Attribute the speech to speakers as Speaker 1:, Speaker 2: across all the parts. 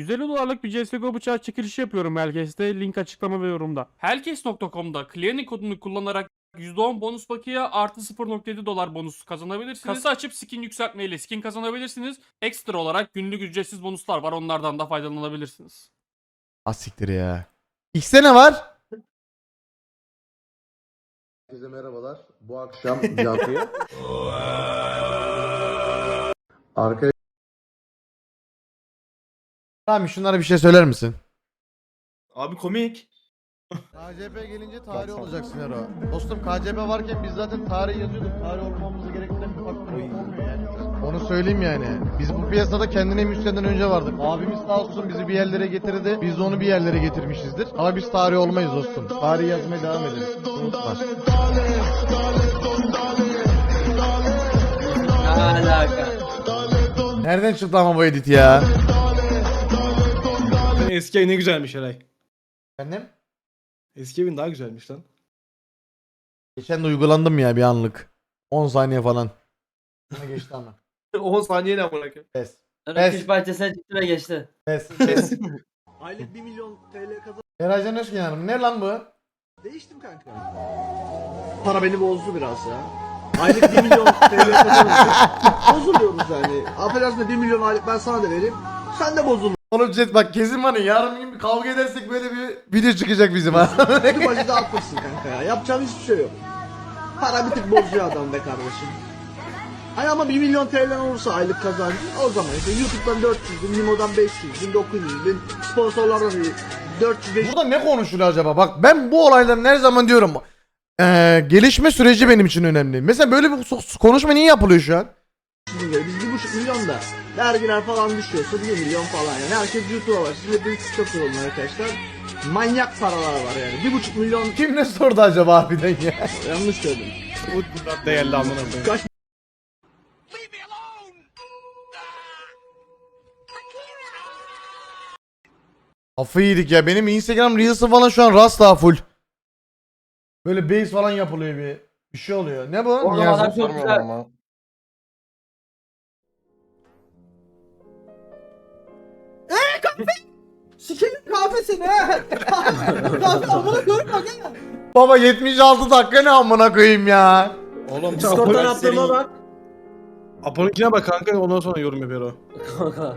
Speaker 1: $150'lık bir CSGO bıçağı çekilişi yapıyorum Helkes'te. Link açıklama ve yorumda. Helkes.com'da Clearing kodunu kullanarak %10 bonus bakiye artı $0.7 bonus kazanabilirsiniz. Kasa açıp skin yükseltmeyle skin kazanabilirsiniz. Ekstra olarak günlük ücretsiz bonuslar var. Onlardan da faydalanabilirsiniz.
Speaker 2: Asiktir ya. X'te ne var?
Speaker 3: Herkese merhabalar. Bu akşam Cansu'ya arkaya
Speaker 2: Tamam, şunlara bir şey söyler misin?
Speaker 4: Abi komik.
Speaker 2: KCP gelince tarih olacaksın Ero. Dostum KCP varken biz zaten tarih yazıyorduk. Tarih olmamızı gerektiren bir faktör olmuyor yani. Onu söyleyeyim yani. Biz bu piyasada kendine müsteden önce vardık. Abimiz sağ olsun bizi bir yerlere getirdi. Biz de onu bir yerlere getirmişizdir. Ama biz tarih olmayız dostum. Tarih yazmaya devam edelim. Unutma.
Speaker 5: Ne alaka?
Speaker 2: Nereden çıktı ama bu edit ya?
Speaker 4: Eski ev ne güzelmiş Eray.
Speaker 2: Efendim?
Speaker 4: Eski evin daha güzelmiş lan.
Speaker 2: Geçen de uygulandım ya bir anlık. 10 saniye falan. Buna geçti ama.
Speaker 4: 10 saniye ne amına koyayım.
Speaker 2: Pes.
Speaker 5: Sonra kış bahçesine çıktı ve geçti.
Speaker 2: Pes. Pes.
Speaker 6: Aylık 1 milyon TL kazan.
Speaker 2: Eracan Özgen Hanım. Ne lan bu?
Speaker 6: Değiştim kanka. Para beni bozdu biraz ya. Aylık 1 milyon TL kazanınca bozuluyoruz yani. Affedersin de 1 milyon aylık ben sana da vereyim. Sen de bozulur.
Speaker 2: Oğlum Cet bak kesin var ya, yarın bir gün kavga edersek böyle bir video çıkacak bizim ha.
Speaker 6: Bütün bacı dağıtmışsın kanka ya. Yapacağım hiçbir şey yok. Para bir tık bozuyor adam be kardeşim. Hani ama 1 milyon TL olursa aylık kazancı o zaman işte YouTube'dan 400 bin, Nimo'dan 500 bin, 900 bin, sponsorlardan 400 500
Speaker 2: Burada ne konuşuluyor acaba? Bak ben bu olayların her zaman diyorum. Gelişme süreci benim için önemli. Mesela böyle bir konuşma niye yapılıyor şu an?
Speaker 6: bin lira. Biz 1,5 milyon da vergiler falan düşüyorsa 1 milyon falan yani. Herkes YouTube'a var. Şimdi hepiniz TikTok olun arkadaşlar. Manyak paralar var yani. 1,5 milyon
Speaker 2: Kim ne sordu acaba harbiden ya?
Speaker 6: yanlış söyledim.
Speaker 4: Bu değerli amına koyayım.
Speaker 6: Kaç
Speaker 2: Kafayı yedik ya. Benim Instagram Reels'ı falan şu an rastla full. Böyle base falan yapılıyor bir şey oluyor. Ne bu?
Speaker 5: Oğlum
Speaker 2: Niyazi?
Speaker 5: adam çok güzel.
Speaker 6: Sikerim kahvesini ha. Kahve amına koyayım bak ya.
Speaker 2: Baba 76 dakika ne amına koyayım ya.
Speaker 4: Oğlum
Speaker 6: Discord'dan attığıma bak.
Speaker 4: Apo'nunkine bak kanka ondan sonra yorum yapıyor o.
Speaker 5: Kanka.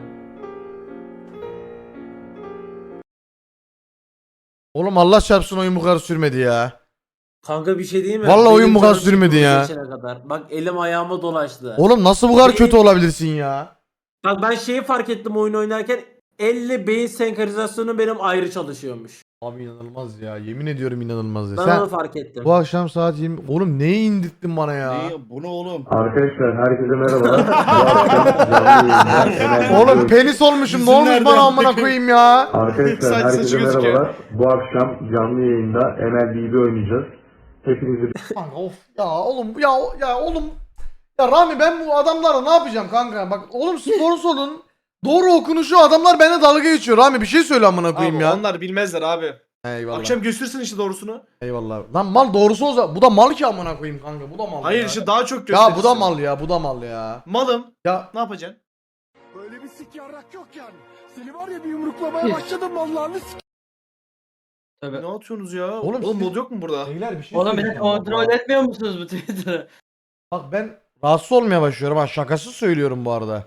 Speaker 2: Oğlum Allah çarpsın oyun bu kadar sürmedi ya.
Speaker 7: Kanka bir şey değil mi?
Speaker 2: Vallahi oyun
Speaker 7: Benim
Speaker 2: bu kadar
Speaker 7: canım
Speaker 2: sürmedi
Speaker 7: çıktı
Speaker 2: ya.
Speaker 7: bu geçene kadar. Bak elim ayağıma dolaştı.
Speaker 2: Oğlum nasıl bu kadar kötü olabilirsin ya?
Speaker 7: Bak ben şeyi fark ettim oyun oynarken elle beyin senkronizasyonu benim ayrı çalışıyormuş.
Speaker 2: Abi inanılmaz ya. Yemin ediyorum inanılmaz ya.
Speaker 7: Ben
Speaker 2: Sen
Speaker 7: onu fark ettim.
Speaker 2: bu akşam saat 20... Oğlum neyi indirttin bana ya?
Speaker 4: Bu ne oğlum?
Speaker 3: arkadaşlar herkese merhabalar. Bu akşam canlı yayında
Speaker 2: Oğlum penis olmuşum. Ne olmuş bana amına koyayım ya?
Speaker 3: arkadaşlar
Speaker 4: Saç
Speaker 3: herkese
Speaker 4: saçı gözüküyor.
Speaker 3: merhabalar. Bu akşam canlı yayında MLBB oynayacağız. Hepinizi
Speaker 2: Kanka of ya oğlum ya oğlum. Ya Rami ben bu adamlara ne yapacağım kanka? Bak oğlum sponsorun doğru okunuşu adamlar bana dalga geçiyor. Rami bir şey söyle amına koyayım
Speaker 4: Abi
Speaker 2: ya.
Speaker 4: onlar bilmezler abi.
Speaker 2: Eyvallah.
Speaker 4: Akşam göstersin işte doğrusunu.
Speaker 2: Eyvallah. Lan mal doğrusu olsa bu da mal ki amına koyayım kanka. Bu da mal.
Speaker 4: Hayır
Speaker 2: ya.
Speaker 4: işte daha çok gösterirsin.
Speaker 2: Ya bu da mal ya. Bu da mal ya.
Speaker 4: Malım.
Speaker 2: Ya
Speaker 4: Ne yapacaksın?
Speaker 6: Böyle bir sik yarrak yok yani. Seni var ya bir yumruklamaya başladım vallahi.
Speaker 5: Tabii.
Speaker 4: Ne atıyorsunuz ya?
Speaker 2: Oğlum
Speaker 4: Oğlum
Speaker 2: siz-
Speaker 4: mod yok mu burada?
Speaker 2: beyler bir şey
Speaker 5: Oğlum beni
Speaker 2: söyleyeceğim.
Speaker 5: kontrol etmiyor musunuz bu Twitter'ı?
Speaker 2: Bak ben rahatsız olmaya başlıyorum ha. Şakası söylüyorum bu arada.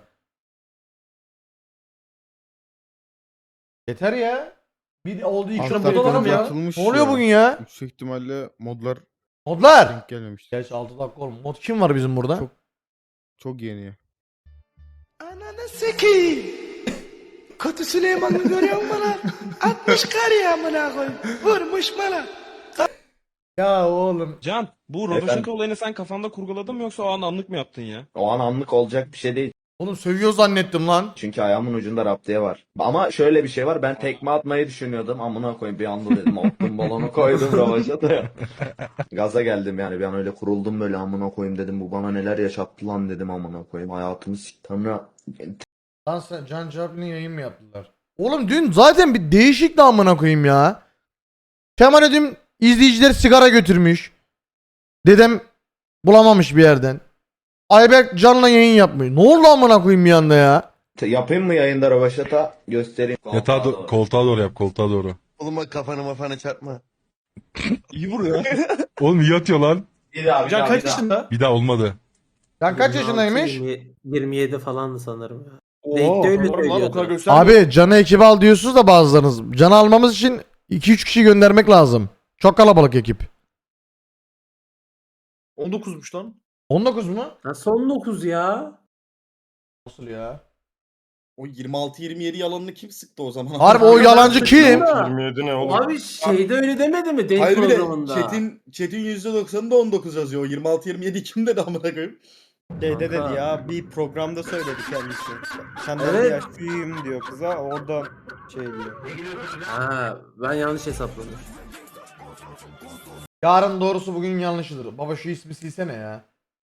Speaker 2: Yeter ya. Bir oldu iki
Speaker 4: Akşam
Speaker 2: mod
Speaker 4: mod
Speaker 2: olalım ya.
Speaker 4: atılmış
Speaker 2: Ne oluyor bugün ya?
Speaker 8: Yüksek ihtimalle modlar
Speaker 2: Modlar.
Speaker 8: denk gelmemiş.
Speaker 2: Gerçi 6 dakika oğlum. Mod kim var bizim burada?
Speaker 8: Çok yeni.
Speaker 6: Ananı sikeyim. Kötü Süleyman'ı görüyor musun lan? 60 kar ya amına koyayım. Vurmuş bana.
Speaker 2: Ya oğlum.
Speaker 9: Can, bu Rodoşenko olayını sen kafanda kurguladın mı yoksa o an anlık mı yaptın ya?
Speaker 10: O an anlık olacak bir şey değil.
Speaker 2: Oğlum sövüyor zannettim lan.
Speaker 10: Çünkü ayağımın ucunda raptiye var. Ama şöyle bir şey var. Ben tekme atmayı düşünüyordum. Amına koyayım bir anda dedim. Attım balonu koydum ravaşa da. Gaza geldim yani. Bir an öyle kuruldum böyle amına koyayım dedim. Bu bana neler yaşattı lan dedim amına koyayım. Hayatımı Tanrı.
Speaker 2: Lan sen Can Çarpı'nın yayın mı yaptılar? Oğlum dün zaten bir değişik de amına koyayım ya. Kemal dün izleyiciler sigara götürmüş. Dedem bulamamış bir yerden. Ayberk Can'la yayın yapmıyor. Ne oldu amına koyayım bir anda ya?
Speaker 10: Yapayım mı yayında rövaşata? Göstereyim.
Speaker 8: koltuğa doğru yap, koltuğa doğru.
Speaker 2: Oğlum bak kafanı mafanı çarpma.
Speaker 9: İyi vuruyor.
Speaker 8: Oğlum iyi atıyor lan.
Speaker 10: Bir daha,
Speaker 9: Can kaç yaşında?
Speaker 8: Bir daha olmadı.
Speaker 2: Can kaç yaşındaymış?
Speaker 7: 27 falandı sanırım ya.
Speaker 9: Oo,
Speaker 7: Denkte öyle
Speaker 9: lan o kadar
Speaker 7: söylüyordu.
Speaker 9: göstermiyor.
Speaker 2: Abi Can'ı ekibe al diyorsunuz da bazılarınız. Can'ı almamız için 2-3 kişi göndermek lazım. Çok kalabalık ekip.
Speaker 9: 19'muş lan.
Speaker 2: 19 mu?
Speaker 7: Ha, son 9 ya.
Speaker 2: Nasıl ya?
Speaker 9: O 26-27 yalanını kim sıktı o zaman?
Speaker 2: Harbi o yalancı kim?
Speaker 9: 27 ne oğlum?
Speaker 7: Abi şeyde öyle demedi mi? Denk
Speaker 9: Hayır bir de
Speaker 7: programında.
Speaker 9: chat'in %90'ında 19 yazıyor. O 26-27 kim dedi amına koyayım?
Speaker 7: Şeyde dedi
Speaker 11: ya bir programda söyledi kendisi. Senden
Speaker 7: Evet.
Speaker 11: bir yaş büyüğüm diyor kıza oradan şey diyor.
Speaker 7: Ha, ben yanlış hesapladım.
Speaker 2: Yarın doğrusu bugün yanlışıdır. Baba şu ismi silsene ya.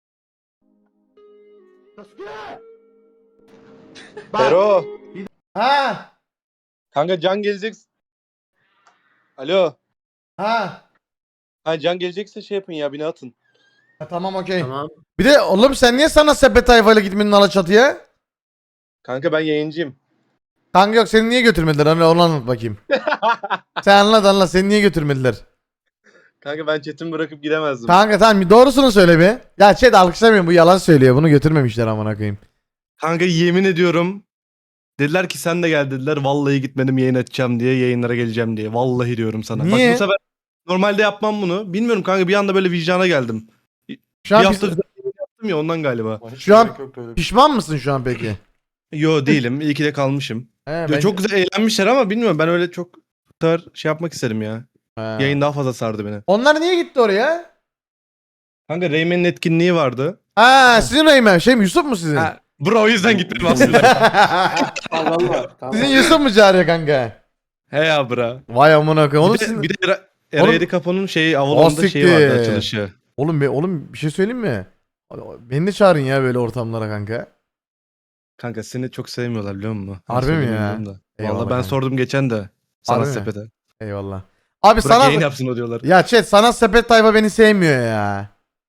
Speaker 9: Pero.
Speaker 2: Ha!
Speaker 9: Kanka Can gelecek. Alo.
Speaker 2: Ha!
Speaker 9: Ha Can gelecekse şey yapın ya beni atın.
Speaker 2: Ha tamam okey.
Speaker 7: Tamam.
Speaker 2: Bir de oğlum sen niye sana sepet tayfayla gitmedin Alaçatı'ya?
Speaker 9: Kanka ben yayıncıyım.
Speaker 2: Kanka yok seni niye götürmediler? Hani onu anlat bakayım. Sen anlat seni niye götürmediler?
Speaker 9: Kanka ben chat'imi bırakıp gidemezdim.
Speaker 2: Kanka tamam bir doğrusunu söyle bir. Ya chat alkışlamıyorum bu yalan söylüyor. Bunu götürmemişler amına koyayım.
Speaker 9: Kanka yemin ediyorum. Dediler ki sen de gel dediler. Vallahi gitmedim yayın açacağım diye yayınlara geleceğim diye. Vallahi diyorum sana.
Speaker 2: Niye?
Speaker 9: Bak bu sefer normalde yapmam bunu. Bilmiyorum kanka bir anda böyle vicdana geldim.
Speaker 2: Şu an,
Speaker 9: Bir hafta yaptım ya ondan galiba.
Speaker 2: şu an pişman mısın şu an peki?
Speaker 9: Yo değilim. İyi ki de kalmışım.
Speaker 2: He,
Speaker 9: Ya
Speaker 2: ben-
Speaker 9: çok güzel eğlenmişler ama bilmiyorum ben öyle çok bu kadar şey yapmak istedim ya.
Speaker 2: He.
Speaker 9: Yayın daha fazla sardı beni.
Speaker 2: Onlar niye gitti oraya?
Speaker 9: Kanka Rayman'in etkinliği vardı.
Speaker 2: Ha sizin Reymen şey mi Yusuf mu sizin?
Speaker 9: Ha, bro o yüzden gitmedim aslında.
Speaker 2: Sizin Yusuf mu çağırıyor kanka?
Speaker 9: He ya bro.
Speaker 2: Vay amına koyayım. Oğlum,
Speaker 9: Bir de,
Speaker 2: sizin-
Speaker 9: bir de Era
Speaker 2: Oğlum-
Speaker 9: 7 Capo'nun şeyi Avalon'da şeyi vardı
Speaker 2: siktir.
Speaker 9: açılışı.
Speaker 2: oğlum bir şey söyleyeyim mi? Beni de çağırın ya böyle ortamlara kanka.
Speaker 9: Kanka seni çok sevmiyorlar biliyor musun? Ben
Speaker 2: Harbi mi
Speaker 9: söyleyeyim
Speaker 2: ya?
Speaker 9: da.
Speaker 2: Eyvallah
Speaker 9: Vallahi ben
Speaker 2: kanka.
Speaker 9: sordum geçen de. Sana
Speaker 2: Harbi mi?
Speaker 9: sepete.
Speaker 2: Eyvallah. Abi
Speaker 9: Bırak
Speaker 2: sana
Speaker 9: yayın yapsın o diyorlar.
Speaker 2: ya chat sana sepet tayfa beni sevmiyor ya.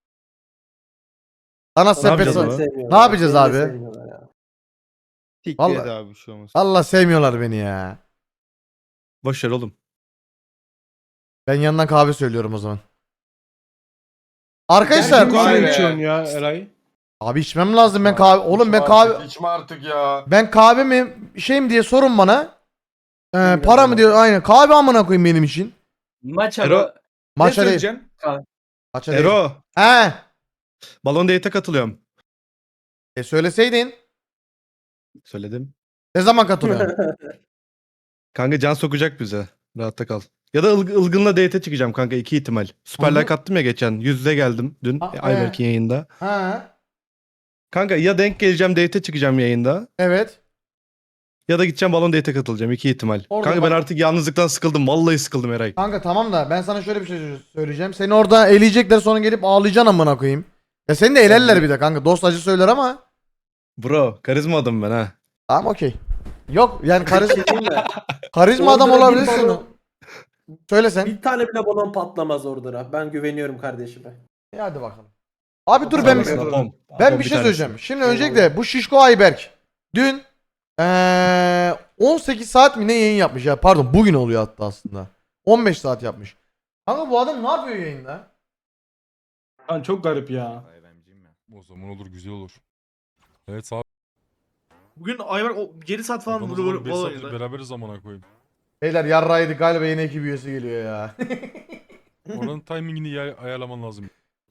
Speaker 2: Sana sepet
Speaker 9: yapacağız ama?
Speaker 2: Ne yapacağız abi?
Speaker 8: Tik
Speaker 2: Vallahi-
Speaker 8: abi bir şey olmaz.
Speaker 2: Allah sevmiyorlar beni ya.
Speaker 9: Boş ver oğlum.
Speaker 2: Ben yandan kahve söylüyorum o zaman. Arkadaşlar
Speaker 9: Kahve içiyorsun ya Eray.
Speaker 2: abi içmem lazım ben kahve. Oğlum ben kahve
Speaker 8: İçme artık ya.
Speaker 2: ben kahve mi şey mi diye sorun bana. Para mı diyor aynen. Kahve amına koyayım benim için.
Speaker 5: Maç
Speaker 9: Ero-
Speaker 5: ama.
Speaker 2: Maça değil. Maça değil.
Speaker 9: Ero.
Speaker 2: He.
Speaker 9: Balon Date'e katılıyorum.
Speaker 2: Söyleseydin.
Speaker 9: Söyledim.
Speaker 2: Ne zaman katılıyorsun?
Speaker 9: Kanka can sokacak bize. Rahatta kal. Ya da Ilgın'la date'e çıkacağım kanka 2 ihtimal. Süper
Speaker 2: Hı hı.
Speaker 9: Like attım ya geçen. Yüz yüze geldim dün. Ayberk'in yayında.
Speaker 2: Ha.
Speaker 9: Kanka ya denk geleceğim date'e çıkacağım yayında.
Speaker 2: Evet.
Speaker 9: Ya da gideceğim balon date'e katılacağım. 2 ihtimal.
Speaker 2: Orada
Speaker 9: Kanka
Speaker 2: bak-
Speaker 9: ben artık yalnızlıktan sıkıldım. Vallahi sıkıldım Eray.
Speaker 2: Kanka tamam da ben sana şöyle bir şey söyleyeceğim. Seni orada eleyecekler sonra gelip ağlayacaksın amına koyayım. Ya seni de elerler bir de kanka. Dost acı söyler ama.
Speaker 9: Bro karizma adam ben ha.
Speaker 2: Tamam okey. Yok yani karizma
Speaker 7: Orada
Speaker 2: adam
Speaker 7: bir
Speaker 2: olabilirsin.
Speaker 7: balon-
Speaker 2: Söyle sen.
Speaker 7: Bir tane bile balon patlamaz orada. Ben güveniyorum kardeşime.
Speaker 2: Hadi bakalım. Abi dur ben
Speaker 9: Sana bom.
Speaker 2: ben
Speaker 9: Bom
Speaker 2: bir şey
Speaker 9: tanesi.
Speaker 2: söyleyeceğim. Şimdi öncelikle bu Şişko Ayberk dün 18 saat mi ne yayın yapmış ya? Pardon bugün oluyor hatta aslında. 15 saat yapmış. Kanka bu adam ne yapıyor yayında?
Speaker 9: Lan çok garip ya.
Speaker 8: O zaman olur güzel olur. Evet sağ
Speaker 11: Bugün Ayberk 7 saat falan
Speaker 8: ol. 5 saattir beraberiz zamana koyayım.
Speaker 2: Beyler yarraydık galiba yeni ekip üyesi geliyor ya.
Speaker 8: Oranın timingini ayarlaman lazım.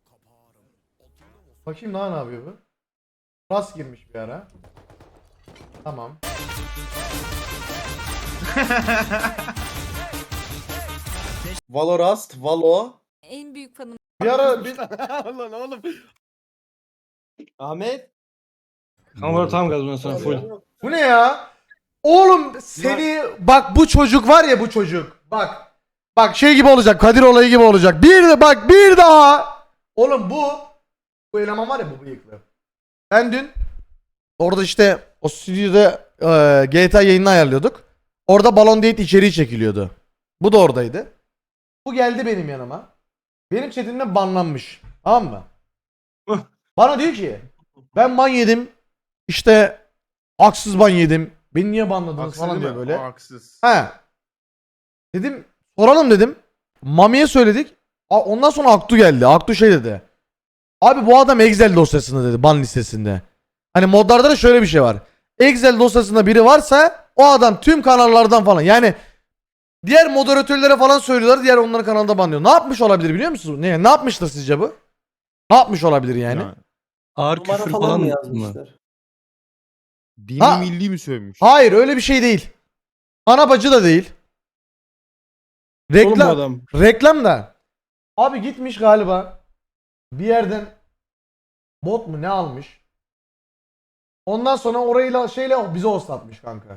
Speaker 2: Bakayım daha ne yapıyor bu? Rast girmiş bir ara. Tamam.
Speaker 9: Valorast, Valo.
Speaker 12: En büyük fanım.
Speaker 2: Bir ara bir...
Speaker 11: Lan oğlum.
Speaker 7: Ahmet.
Speaker 9: Kanka tam gaz bundan sonra full.
Speaker 2: Bu ne ya? Oğlum seni bak bu çocuk var ya bu çocuk. Bak. Bak şey gibi olacak. Kadir olayı gibi olacak. Bir de bak bir daha. Oğlum bu eleman var ya bu bıyıklı. Ben dün orada işte o stüdyoda GTA yayını ayarlıyorduk. Orada Balon Date içeriği çekiliyordu. Bu da oradaydı. Bu geldi benim yanıma. Benim chatimden banlanmış. Tamam mı? Bana diyor ki ben ban yedim. İşte Haksız ban yedim. Beni niye banladınız
Speaker 11: Haksız
Speaker 2: falan
Speaker 11: değil
Speaker 2: diyor
Speaker 11: mi?
Speaker 2: böyle.
Speaker 11: O haksız.
Speaker 2: He. Dedim soralım dedim. Mami'ye söyledik. Ondan sonra Aktu geldi. Aktu şey dedi. Abi bu adam Excel dosyasında dedi, ban listesinde. Hani modlarda da şöyle bir şey var. Excel dosyasında biri varsa o adam tüm kanallardan falan. Yani diğer moderatörlere falan söylüyorlar. Diğer onların kanalında banlıyor. Ne yapmış olabilir biliyor musunuz? Ne yapmıştır sizce bu? Ne yapmış olabilir yani?
Speaker 9: Ağır
Speaker 7: Numara
Speaker 9: küfür
Speaker 7: falan
Speaker 9: falan
Speaker 7: mı
Speaker 9: mı?
Speaker 7: yazmışlar?
Speaker 2: Dini milli mi sövmüş? Hayır öyle bir şey değil. Ana bacı da değil.
Speaker 4: Oğlum bu
Speaker 2: Reklam.
Speaker 4: adam.
Speaker 2: Reklam da. Abi gitmiş galiba. Bir yerden bot mu ne almış? Ondan sonra orayla şeyle bize hostlatmış kanka.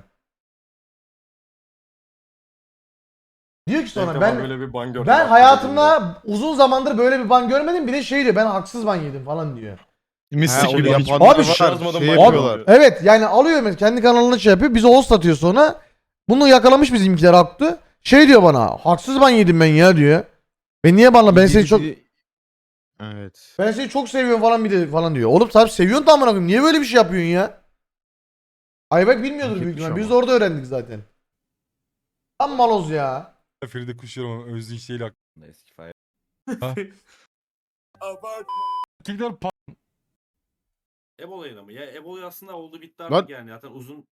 Speaker 2: Diyor ki sonra ben hayatımda uzun zamandır böyle bir ban görmedim. Bir de şey diyor ben haksız ban yedim falan diyor.
Speaker 9: Mistik gibi.
Speaker 2: Abi evet yani alıyor mesela kendi kanalına şey yapıyor. Bize host atıyor sonra. Bunu yakalamış bizimkiler Aktu. Şey diyor bana haksız ban yedim ben ya diyor. Ben niye banla ben seni çok
Speaker 11: Evet.
Speaker 2: ben seni çok seviyorum falan bir de falan diyor. Oğlum tabii seviyorsun da amına koyayım. Niye böyle bir şey yapıyorsun ya? Ayberk bilmiyordur büyük ihtimal. Biz de orada öğrendik zaten. Tam maloz ya.
Speaker 8: Feride kuşuyorum ama Özdeyiş değil aklımda eski fay. Tekrar
Speaker 7: Ebola'yla mı? Ya Ebola aslında oldu bitti
Speaker 11: Lan-
Speaker 7: artık yani. Zaten uzun.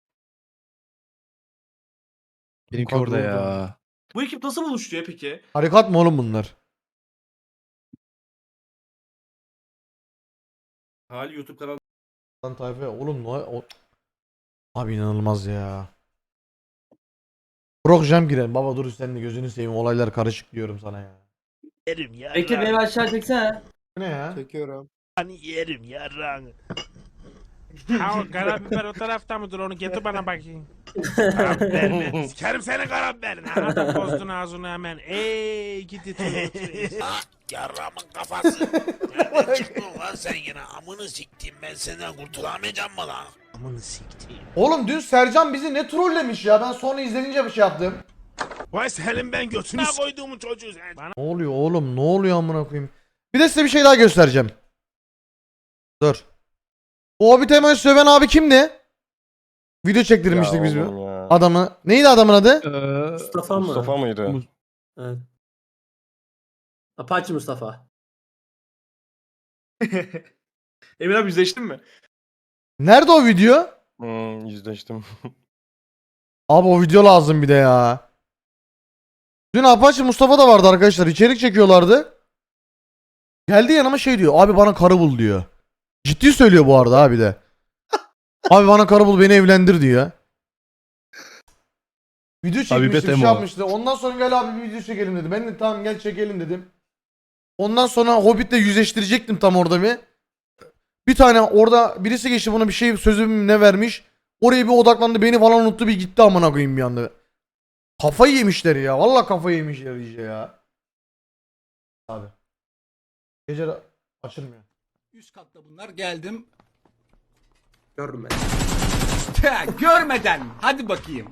Speaker 9: Benimki orada ya.
Speaker 7: Bu ekip nasıl buluştu ya peki?
Speaker 2: Harekat mı oğlum bunlar?
Speaker 7: Hali YouTube kanalı.
Speaker 2: Lan tayfa oğlum abi inanılmaz ya. Brok jam girer. Baba dur sen de gözünü seveyim olaylar karışık diyorum sana ya.
Speaker 5: Bekir beni aşağı çeksene.
Speaker 2: Bu ne ya?
Speaker 11: Çekiyorum.
Speaker 7: Karabiber o tarafta mıdır onu getir bana bakayım. Karabiber. Sikerim senin karabiberini. Anladın bozdun ağzını hemen. Ey gidi
Speaker 12: Yarramın kafası. Nereden çıktın lan sen yine? Amını siktim ben senden kurtulamayacağım mı lan? Amını siktim.
Speaker 2: Oğlum dün Sercan bizi ne trollemiş ya. Ben sonra izlenince bir şey yaptım.
Speaker 12: Vay senin ben götüne koyduğumu çocuğu sen.
Speaker 2: Ne oluyor oğlum? Ne oluyor amına koyayım? Bir de size bir şey daha göstereceğim. Dur. Bu Hobbit Emo'yu söven abi kimdi? Video çektirmiştik biz bu. Adamı. Neydi adamın adı?
Speaker 7: Mustafa mı?
Speaker 11: Mustafa mıydı?
Speaker 7: Evet. Apache Mustafa.
Speaker 11: Emir abi yüzleştin mi?
Speaker 2: Nerede o video?
Speaker 11: Yüzleştim.
Speaker 2: Abi o video lazım bir de ya. Dün Apache Mustafa da vardı arkadaşlar. İçerik çekiyorlardı. Geldi yanıma şey diyor. Abi bana karı bul diyor. Ciddi söylüyor bu arada abi de. Abi bana karı bul beni evlendir diyor. Video çekmişti bir şey yapmıştı. Ondan sonra gel abi bir video çekelim dedi. Ben de tamam gel çekelim dedim. Ondan sonra Hobbit'le yüzleştirecektim tam orada bir. Bir tane orada birisi geçti bana bir şey sözüm ne vermiş. Oraya bir odaklandı beni falan unuttu bir gitti amına koyayım bir anda. Kafayı yemişler ya. Vallahi kafayı yemişler iyice ya. Abi. Gece açılmıyor.
Speaker 12: Üst katta bunlar geldim.
Speaker 7: Görmedim.
Speaker 12: Görmeden hadi bakayım.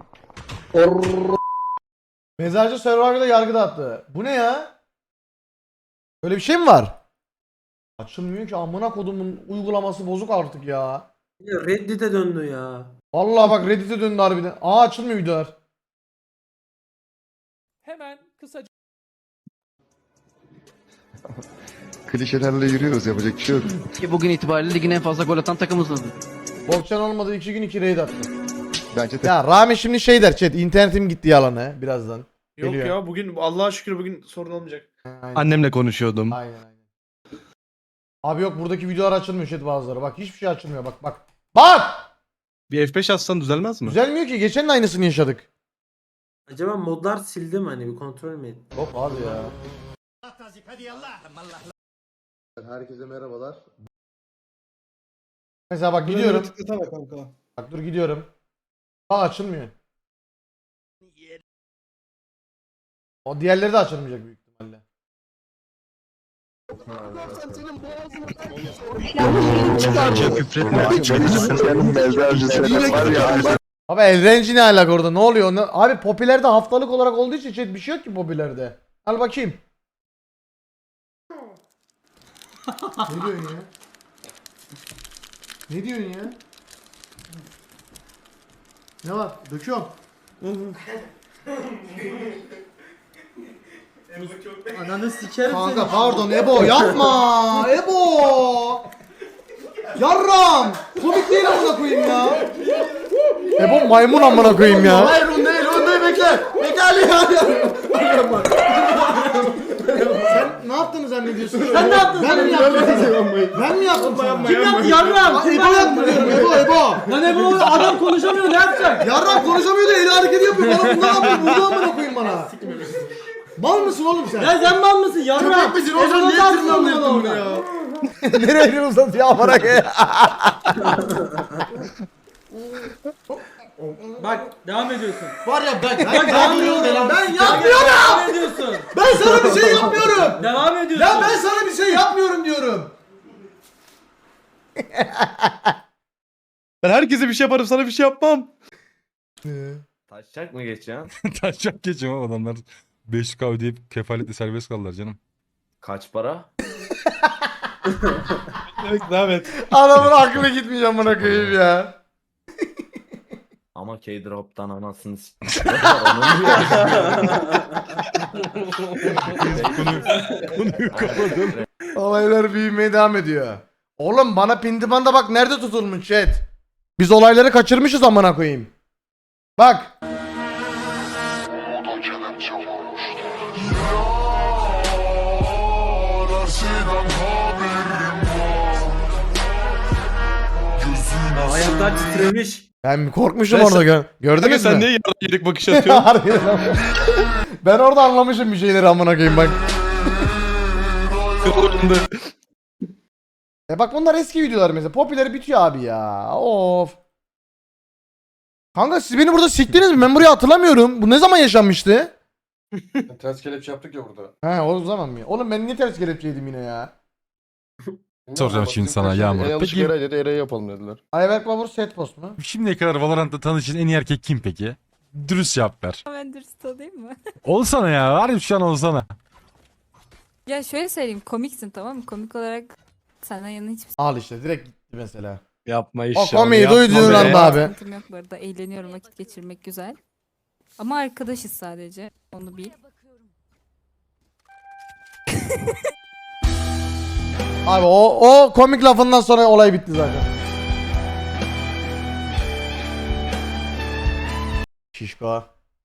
Speaker 2: Mezarcı Survivor'da yargıda attı. Bu ne ya? Böyle bir şey mi var? Açılmıyor ki amına kodumun uygulaması bozuk artık ya.
Speaker 7: Reddit'e döndü ya.
Speaker 2: Vallahi bak Reddit'e döndü harbiden. Aa açılmıyor videolar.
Speaker 1: Hemen kısaca
Speaker 6: Klişelerle yürüyoruz yapacak bir şey yok.
Speaker 12: Bugün itibariyle ligin en fazla gol atan takımısınız.
Speaker 2: Bokçan olmadı 2 gün 2 raid attı.
Speaker 6: Bence
Speaker 2: Ya Rami şimdi şey der chat internetim gitti yalanı birazdan.
Speaker 11: Yok
Speaker 2: Geliyor.
Speaker 11: ya bugün Allah'a şükür bugün sorun olmayacak.
Speaker 2: Aynen.
Speaker 9: Annemle konuşuyordum.
Speaker 2: Aynen. Abi yok buradaki videolar açılmıyor chat bazıları. Bak hiçbir şey açılmıyor bak bak. Bak!
Speaker 9: Bir F5 atsan düzelmez mi?
Speaker 2: Düzelmiyor ki geçen de aynısını yaşadık.
Speaker 7: Acaba modlar sildi mi hani bir kontrol mü etti?
Speaker 2: Yok abi ya. Herkese merhabalar. Mesela bak gidiyorum.
Speaker 11: Tıklasana kanka.
Speaker 2: Bak dur gidiyorum. Bak açılmıyor. O diğerleri de açılmayacak büyük ihtimalle. Abi Elrenci ne alaka orada ne oluyor? Abi popülerde haftalık olarak olduğu için chat bir şey yok ki popülerde. Al bakayım. Ne diyorsun ya? Ne diyorsun ya? Ne var? Döküyorum.
Speaker 5: Ananı sikerim
Speaker 2: Kanka pardon Ebo yapma. Ebo. Yarram. Komik değil amına koyayım ya. Ebo maymun amına koyayım ya. Hayır onu değil bekle. Bekle Ali ya. Sen ne yaptığını zannediyorsun?
Speaker 5: Sen ne yaptın?
Speaker 2: Ben mi yaptım? Ben mi yaptım sana?
Speaker 5: Kim yaptı yarram? Kim
Speaker 2: Ebo yaptı diyorum Ebo.
Speaker 5: Lan Ebo adam konuşamıyor ne yapacak?
Speaker 2: Yarram konuşamıyor da eli hareketi yapıyor. Bana bundan yapıyor. Burada amına koyayım bana. Mal mısın oğlum sen?
Speaker 5: Ya sen mal mısın yarram?
Speaker 2: Köpek misin oğlum? Niye
Speaker 5: Ezo'dan
Speaker 2: tırmanlıyorsun bunu
Speaker 5: ya?
Speaker 2: ya? Nereye elini uzatıyor amına koyayım?
Speaker 5: Bak devam ediyorsun.
Speaker 2: Var ya ben
Speaker 5: Devam ediyorsun.
Speaker 2: Ben yapmıyorum.
Speaker 5: Devam ediyorsun.
Speaker 2: Ben sana bir şey yapmıyorum.
Speaker 5: Devam ediyorsun.
Speaker 2: Ya ben sana bir şey yapmıyorum diyorum.
Speaker 9: Ben herkese bir şey yaparım sana bir şey yapmam.
Speaker 10: Taşacak mı geçeceğim?
Speaker 8: Taşacak geçiyor adamlar. 500k ödeyip kefaletle serbest kaldılar canım.
Speaker 10: Kaç para?
Speaker 9: Evet devam et.
Speaker 2: Adamın aklına gitmiş amına koyayım ya.
Speaker 10: Ama K-Drop'tan anasını
Speaker 8: Konuyu kapadım.
Speaker 2: Olaylar büyümeye devam ediyor. Oğlum bana Pindimanda bak nerede tutulmuş chat. Biz olayları kaçırmışız amına koyayım. Bak.
Speaker 5: Ayaklar titremiş.
Speaker 2: Ben korkmuşum
Speaker 9: Ben
Speaker 2: orada gördünüz mü?
Speaker 9: Sen niye yarın yedik bakış atıyorsun?
Speaker 2: Harbiden. Ben orada anlamışım bir şeyleri amına koyayım bak. Bak bunlar eski videolar mesela. Popüleri bitiyor abi ya. Of. Kanka siz beni burada siktiniz mi? Ben burayı hatırlamıyorum. Bu ne zaman yaşanmıştı?
Speaker 11: Ters kelepçe yaptık ya burada.
Speaker 2: He o zaman mı? Oğlum ben niye ters kelepçeydim yine ya?
Speaker 8: Soracağım şimdi sana Yağmur. Peki
Speaker 11: Eray dedi Eray'ı yapalım dediler.
Speaker 2: Ayberk Babur set post mu?
Speaker 8: şimdiye kadar Valorant'ta tanışın en iyi erkek kim peki? Dürüst cevap ver.
Speaker 13: Ben dürüst olayım mı?
Speaker 8: Olsana ya. Harbi şu an olsana.
Speaker 13: Ya şöyle söyleyeyim, komiksin tamam mı? Komik olarak senden yana hiçbir
Speaker 2: Al işte direkt gitti mesela.
Speaker 9: Yapma
Speaker 2: O
Speaker 9: inşallah.
Speaker 2: komiği
Speaker 9: yapma
Speaker 2: duyduğun
Speaker 9: be.
Speaker 2: anda abi.
Speaker 13: sıkıntım yok bu arada. Eğleniyorum, vakit geçirmek güzel. Ama arkadaşız sadece. Onu bil.
Speaker 2: Abi o komik lafından sonra olay bitti zaten. Şişko.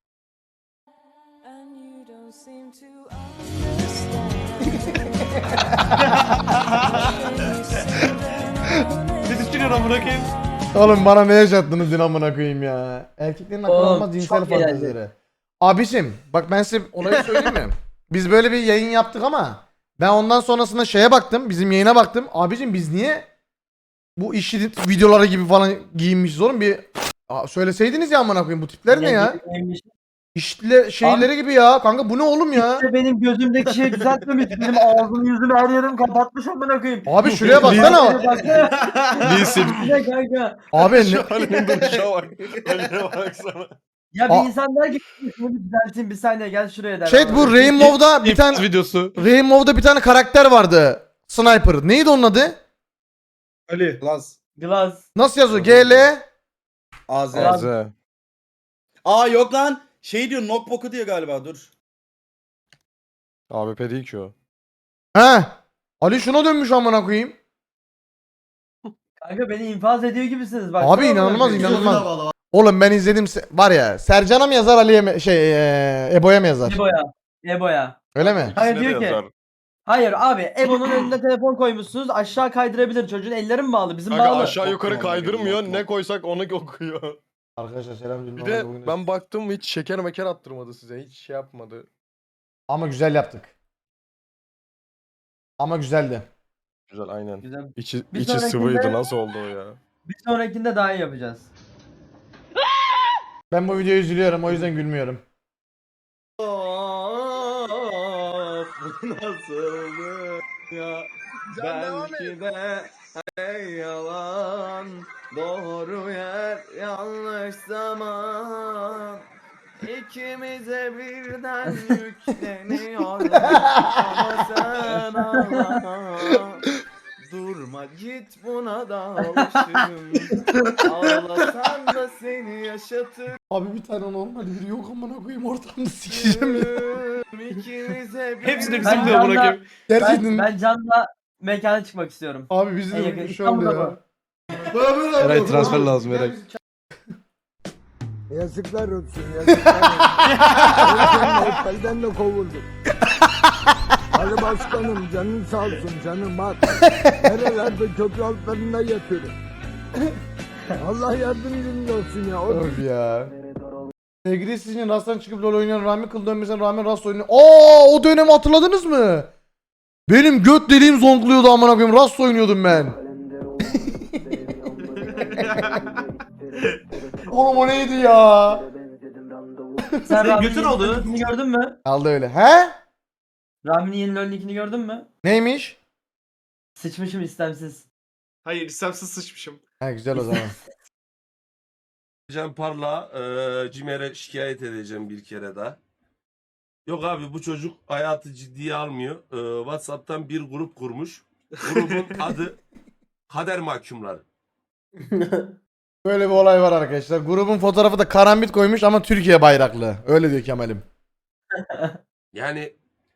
Speaker 9: Ne düşünüyorsun bırakayım?
Speaker 2: Oğlum bana ne yaşattınız dün amına koyayım ya. Erkeklerin akıl
Speaker 5: Oğlum,
Speaker 2: almaz cinsel
Speaker 5: çok eğlenceli.
Speaker 2: fantezileri. Abicim bak ben size olayı söyleyeyim mi? Biz böyle bir yayın yaptık ama ben ondan sonrasında şeye baktım. Bizim yayına baktım. Abicim biz niye bu işi videoları gibi falan giyinmişiz oğlum bir söyleseydiniz ya amına koyayım bu tipler ne ya? İşte şeyleri gibi ya. Kanka bu ne oğlum ya?
Speaker 5: İşte benim gözümdeki şey düzeltmemiş. Benim ağzımı yüzümü her yerim kapatmış amına koyayım.
Speaker 2: Abi şuraya baksana.
Speaker 9: Değilsin.
Speaker 5: Ne kanka?
Speaker 2: Abi ne?
Speaker 11: Halinin duruşa bak. Haline baksana.
Speaker 5: Ya
Speaker 2: Aa.
Speaker 5: bir insan der ki şunu bir düzelteyim bir saniye gel şuraya der.
Speaker 2: Chat bu Rainbow'da bir tane
Speaker 9: videosu.
Speaker 2: Rainbow'da bir tane karakter vardı. Sniper. Neydi onun adı?
Speaker 11: Ali. Laz.
Speaker 5: Glass.
Speaker 2: Nasıl yazıyor? GL
Speaker 11: AZ.
Speaker 9: Az.
Speaker 6: Aa yok lan. Şey diyor knockbook'u diyor galiba dur.
Speaker 11: AWP değil ki o.
Speaker 2: He. Ali şuna dönmüş amına koyayım.
Speaker 5: Kanka beni infaz ediyor gibisiniz bak.
Speaker 2: Abi inanılmaz inanılmaz. Oğlum ben izledim var ya Sercan'a mı yazar Ali'ye mi Ebo'ya mı yazar?
Speaker 5: Ebo'ya. Ebo'ya.
Speaker 2: Öyle mi?
Speaker 5: Hayır diyor ki. Hayır abi Ebo'nun önüne telefon koymuşsunuz aşağı kaydırabilir çocuğun elleri mi bağlı bizim
Speaker 11: Kanka
Speaker 5: bağlı.
Speaker 11: aşağı yukarı kaydırmıyor. Ne koysak onu okuyor.
Speaker 2: Arkadaşlar selam.
Speaker 11: Bir de ben baktım hiç şeker meker attırmadı size. Hiç şey yapmadı.
Speaker 2: Ama güzel yaptık. Ama güzeldi.
Speaker 11: Güzel aynen.
Speaker 5: Güzel.
Speaker 11: İçi
Speaker 5: Bir
Speaker 11: içi
Speaker 5: sonrakinde-
Speaker 11: sıvıydı. Nasıl oldu o ya?
Speaker 5: Bir sonrakinde daha iyi yapacağız.
Speaker 2: Ben bu videoyu üzülüyorum o yüzden gülmüyorum.
Speaker 10: Nasıldı ya? Belki de yalan. Doğru yer, yanlış zaman. İkimize birden yükleniyor. Ama sen ağla. Durma git buna da alışırım. Ağlasan da seni yaşatır.
Speaker 2: Abi bir tane normal biri yok amına koyayım ortamda sikeceğim ya.
Speaker 4: Hepsini bizim
Speaker 5: Ben
Speaker 4: diyor amına
Speaker 5: Can'la,
Speaker 4: koyayım.
Speaker 2: Gerçekten.
Speaker 5: ben Can'la mekana çıkmak istiyorum.
Speaker 2: Abi bizi
Speaker 5: En
Speaker 2: de
Speaker 5: yakın
Speaker 2: şu
Speaker 5: İstanbul'da
Speaker 2: anda ya.
Speaker 5: mı?
Speaker 9: Eray transfer lazım Eray.
Speaker 6: Yazıklar olsun yazıklar olsun. Otelden de kovuldum. Ali başkanım canın sağ olsun canım bak. Nerelerde köprü altlarında yatıyorum. Allah yardımcınız olsun ya.
Speaker 2: Öf ya. Sevgili sizin Rast'tan çıkıp LoL oynayan Rami kıl dönmesine rağmen Rast oynuyor. Aa, o dönemi hatırladınız mı? Benim göt deliğim zonkluyordu amına koyayım. Rast oynuyordum ben. Oğlum o neydi ya?
Speaker 5: Sen Rami'nin
Speaker 4: götün oldu.
Speaker 5: yeni nickini gördün mü?
Speaker 2: Kaldı öyle. He?
Speaker 5: Rami'nin yeni LoL nickini gördün mü?
Speaker 2: Neymiş?
Speaker 5: Sıçmışım istemsiz.
Speaker 4: Hayır istemsiz sıçmışım.
Speaker 2: Ha güzel o zaman.
Speaker 12: Can Parla Cimer'e şikayet edeceğim bir kere daha. Yok abi bu çocuk hayatı ciddiye almıyor. WhatsApp'tan bir grup kurmuş. Grubun adı Kader Mahkumları.
Speaker 2: Böyle bir olay var arkadaşlar. Grubun fotoğrafı da karambit koymuş ama Türkiye bayraklı. Öyle diyor Kemal'im.
Speaker 12: Yani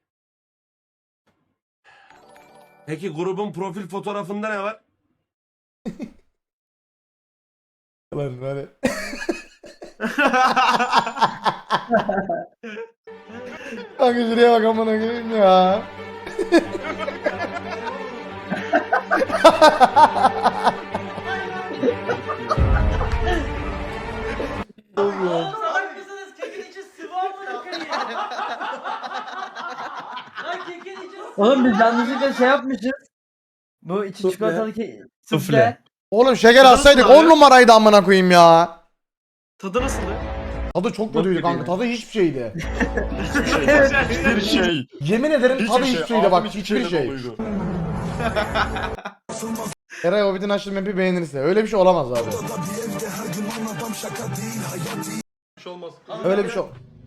Speaker 12: peki grubun profil fotoğrafında ne var?
Speaker 2: Lan böyle. Kanka şuraya bak amına koyayım ya.
Speaker 5: Salak mısınız? Kekin içi sıvı amına koyayım. Lan kekin içi sıvı. Oğlum biz yanlışlıkla şey yapmışız. Bu içi çikolatalı sufle.
Speaker 2: Oğlum şeker atsaydık
Speaker 4: nasıl
Speaker 2: 10
Speaker 4: abi?
Speaker 2: numaraydı amına koyayım ya.
Speaker 4: Tadı nasıldı?
Speaker 2: Tadı çok kötüydü kanka. Tadı hiçbir şeydi.
Speaker 8: Bir şey.
Speaker 2: Yemin ederim tadı hiçbir şeydi bak. Hiçbir şey. Eray Hobbit'in açtığı map'i beğenirse. Öyle bir şey olamaz abi.
Speaker 4: Bir şey olmaz.
Speaker 2: Öyle bir şey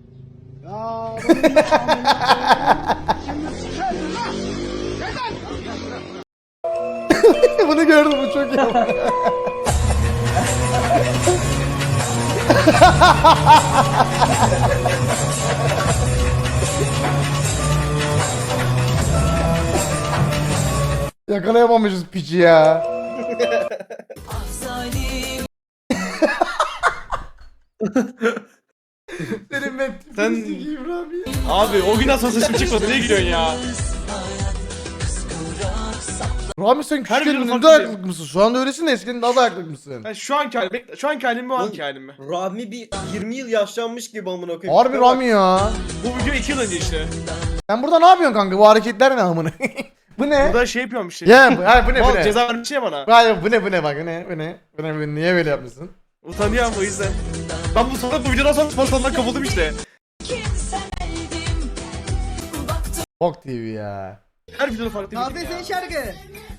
Speaker 2: Bunu gördüm bu çok iyi. Yakalayamamışız piçi ya. Senin ben
Speaker 4: Sen-
Speaker 2: İbrahim.
Speaker 4: Abi o gün asla saçım çıkmadı. Niye gidiyorsun ya?
Speaker 2: Rami sen
Speaker 4: Her
Speaker 2: küçükken
Speaker 4: gün
Speaker 2: ne
Speaker 4: farklı
Speaker 2: de
Speaker 4: bir-
Speaker 2: ayaklık mısın? Şu anda öylesin de eskiden daha da ayaklık mısın?
Speaker 4: Ben şu anki halim, şu anki halim mi o anki halim mi?
Speaker 6: Rami bir 20 yıl yaşlanmış gibi amına koyayım.
Speaker 2: Harbi Rami ya.
Speaker 4: Bu video 2 yıl önce işte.
Speaker 2: Sen burada ne yapıyorsun kanka? Bu hareketler ne amına? Bu ne?
Speaker 4: Burada şey yapıyorum işte.
Speaker 2: Ya bu, hayır, bu ne bu
Speaker 4: Mal
Speaker 2: ne?
Speaker 4: ceza vermiş ya bana.
Speaker 2: Hayır bu ne bak bu ne? Bu ne? Niye böyle yapmışsın?
Speaker 4: Utanıyorum o yüzden. Ben bu videodan sonra spor salonundan kapıldım işte.
Speaker 2: Bok TV ya.
Speaker 4: Her videoda farklı bir video ya.
Speaker 5: şarkı.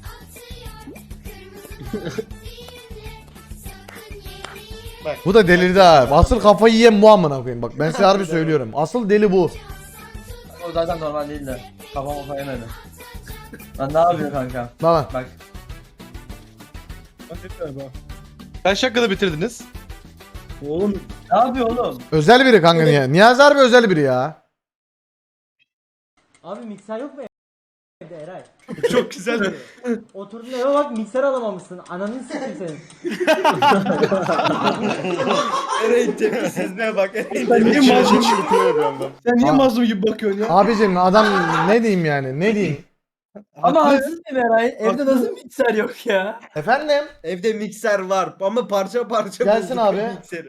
Speaker 2: Bu da delirdi ha. Asıl kafayı yiyen bu amına koyayım. Bak ben size harbi söylüyorum. Asıl deli bu.
Speaker 5: O zaten normal değil de. Kafam o yemedi. Lan ne yapıyor kanka?
Speaker 2: Bak.
Speaker 5: Bak.
Speaker 9: Kaç dakikada bitirdiniz?
Speaker 5: Oğlum. Ne yapıyor oğlum?
Speaker 2: Özel biri kanka niye? Niyazi harbi özel biri ya.
Speaker 5: Abi mikser yok mu evde Eray?
Speaker 4: Çok güzel.
Speaker 5: Oturdun eve bak mikser alamamışsın. Ananı sikeyim senin.
Speaker 6: Eray'ın tepkisizliğe bak.
Speaker 9: Sen niye mazlum gibi Sen niye mazlum gibi bakıyorsun ya?
Speaker 2: Abicim adam ne diyeyim yani? Ne diyeyim?
Speaker 5: Ama haksız mıyım Eray? Evde nasıl mikser yok ya?
Speaker 2: Efendim?
Speaker 6: Evde mikser var ama parça parça
Speaker 2: Gelsin
Speaker 6: bulduk
Speaker 2: abi.
Speaker 6: mikseri.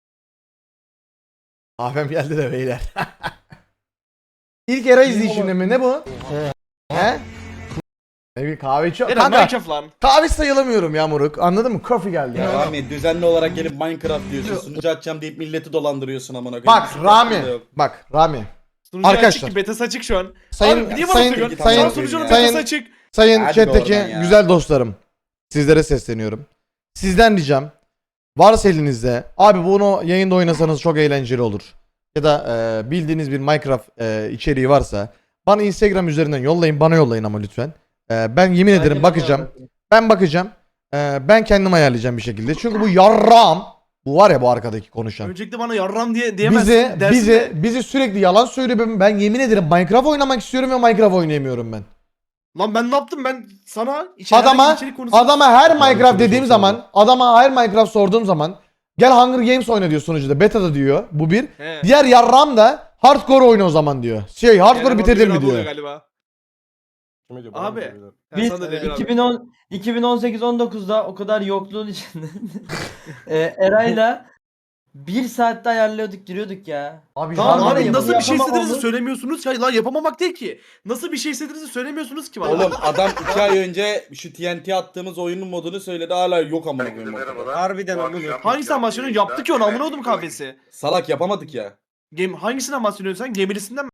Speaker 2: Kahvem geldi de beyler. İlk era izleyişimde mi? Ne bu? He? Ne bir kahve içiyor.
Speaker 4: Eren
Speaker 2: Kanka
Speaker 4: Minecraft lan.
Speaker 2: kahve sayılamıyorum ya moruk. Anladın mı? Coffee geldi ya.
Speaker 6: Rami düzenli olarak gelip Minecraft diyorsun. Sunucu açacağım deyip milleti dolandırıyorsun amına koyayım.
Speaker 2: Bak
Speaker 6: Hiçbir
Speaker 2: Rami.
Speaker 6: farkında yok.
Speaker 2: Bak Rami.
Speaker 4: Sunucu
Speaker 2: Arkadaşlar.
Speaker 4: açık ki betası açık şu an.
Speaker 2: Sayın
Speaker 4: Abi niye bana
Speaker 2: sayın
Speaker 4: söylüyorsun?
Speaker 2: sayın
Speaker 4: Şu an sunucunun
Speaker 2: sayın
Speaker 4: betası açık.
Speaker 2: sayın
Speaker 6: Hadi
Speaker 2: chat'teki
Speaker 6: oradan ya.
Speaker 2: güzel dostlarım. Sizlere sesleniyorum. Sizden ricam varsa elinizde abi bunu yayında oynasanız çok eğlenceli olur. Ya da bildiğiniz bir Minecraft içeriği varsa bana Instagram üzerinden yollayın, bana yollayın ama lütfen. Ben yemin ederim bakacağım. Ben bakacağım. Ben kendim ayarlayacağım bir şekilde. Çünkü bu yarram, bu var ya bu arkadaki konuşan.
Speaker 9: Öncelikle bana yarram diye diyemezsin.
Speaker 2: Bizi sürekli yalan söylüyor. Ben yemin ederim Minecraft oynamak istiyorum ve Minecraft oynayamıyorum ben.
Speaker 9: Lan ben ne yaptım ben sana
Speaker 2: Adama her Minecraft dediğim zaman, adama her Minecraft sorduğum zaman gel Hunger Games oyna diyor sunucuda. Beta'da diyor. Bu bir.
Speaker 9: He.
Speaker 2: Diğer yarram da hardcore oyna o zaman diyor. Hardcore bitirdin mi diyor.
Speaker 9: Galiba.
Speaker 11: Abi.
Speaker 9: Abi.
Speaker 5: Biz
Speaker 9: Sana da Demir abi.
Speaker 5: 2018-19'da o kadar yokluğun içinde Eray'la 1 saatte ayarlıyorduk giriyorduk ya.
Speaker 2: Abi,
Speaker 9: Tamam
Speaker 5: Var
Speaker 9: abi
Speaker 5: ya,
Speaker 9: nasıl
Speaker 5: bunu
Speaker 9: bir şey
Speaker 5: yapamam
Speaker 9: istediğinizi
Speaker 5: olur.
Speaker 9: söylemiyorsunuz ki? Hayır lan yapamamak değil ki. Nasıl bir şey istediğinizi söylemiyorsunuz ki bana.
Speaker 6: Oğlum adam 2 ay önce şu TNT attığımız oyunun modunu söyledi hala yok amına koyayım.
Speaker 4: Harbiden amına.
Speaker 9: Hangisinden bahsediyorsun? Yaptık ya onu amına oğlum kahvesi.
Speaker 6: Salak yapamadık ya.
Speaker 9: Hangisinden bahsediyorsun sen? Gemilisinden mi?